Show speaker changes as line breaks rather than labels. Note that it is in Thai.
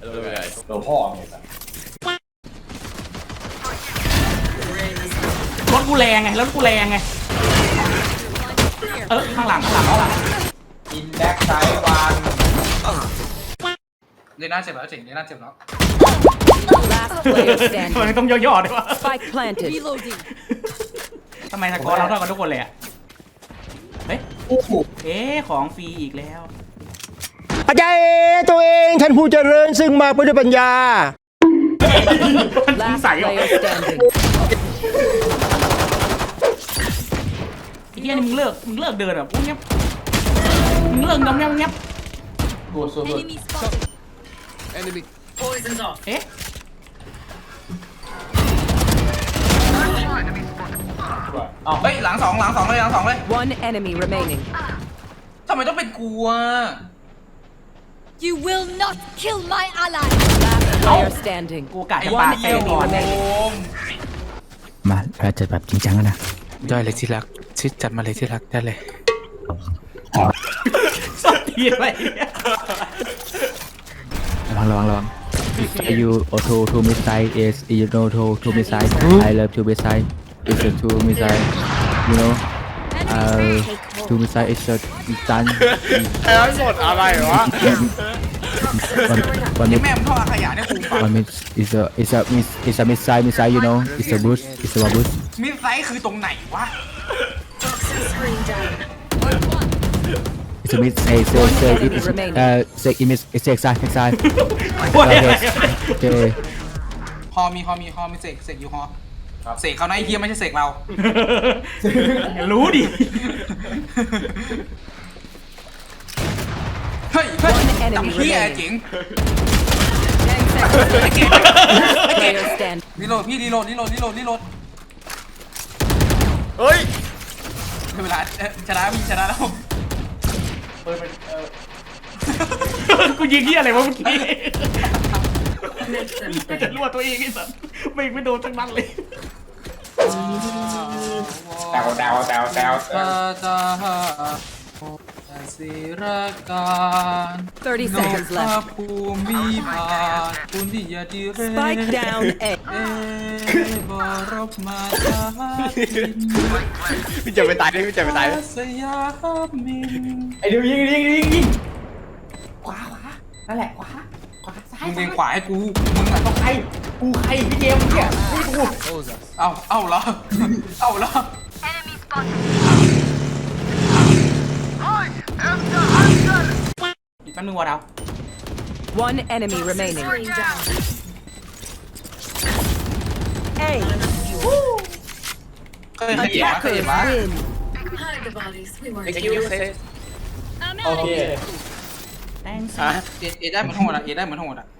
โดนพ่อเนี่ยสัส
รถกูแรงไงรถกูแรงไงข้างหลัง
อินแบ็กไซด์วัน
เดน่าเจ็บแล้วเจ๋งเดน่าเจ็บแล้ว
Last player
ทำไม
standing.
ต้องย่อๆด้วยวะ
Spike planted.
ทำไมสกอร์เราเท่ากันทุกคนเลยอ่ะเฮ้ย
โอ้โห
ของฟรีอีกแล้ว
อาจารย์ตัวเองท่านผู้เจริญซึ่งมาเพื่อด้วยปัญญา
Last
ใส่เหรอ
player standing.
ไอ้เหี้ยนี่มึงเลิกเดินแบบเงียบมึงเลิกเงียบ
กูสุด
Enemy.
เอ๊ะ
อ้าว
เฮ้ยหลังสองเลย
One enemy remaining.
ทำไมต้องเป็นกูอ่ะ
You will not kill my ally.
Last player standing.
กูกะจะปาเตะก่อน
มาเราจะแบบจริงจังแล้วนะ
ได้เลยที่รักชิดจัดมาเลยที่รักได้เลย
สดทีไป
ระวัง you auto to missile is you know to missile I love to missile it's a to missile you know to missile is a done
หมดอะไรวะ
one
แม่มึงท่อขยะเนี่ยกู
one miss is a missile you know it's a boost it's a boost
มิดไซส์คือตรงไหนวะ
it's a miss say it's exile
โอ้ย
okay
ฮอมีเสกอยู่ฮอเสกเขานะไอ้เหี้ยไม่ใช่เสกเรา
รู้ดิ
เฮ้ยจำเหี้ยเจ๋ง
Player stand.
รีโหลดพี่รีโหลด
เฮ้ย
เวลาชนะแล้ว
กูยิงเหี้ยอะไรวะเมื่อกี้ก็จะรั่วตัวเองไอ้สัสไม่โดนทั้งนั้นเลย
แตว
ศิรการ
30 seconds left.
ภูมิภาคคุณที่ยาดีเร
Spike down A.
บรบมาตา
พี่จะไปตายดิพี่จะไปตายดิ
สยามิน
ไอเดี๋ยวยิงขวานั่นแหละขวาซ้าย
มึงเลียงขวาให้กูมึงอ่ะต้องให้
กูใครพี่เกมเนี่ยนี่กู
เอาเหรอ
อีกแป๊บนึงวะดาว
One enemy remaining. A.
เคยเห็นปะ
Attackers win.
ไอ้คิวเซฟ
โอเค
thanks
เอได้เหมือนทั้งหมดอ่ะ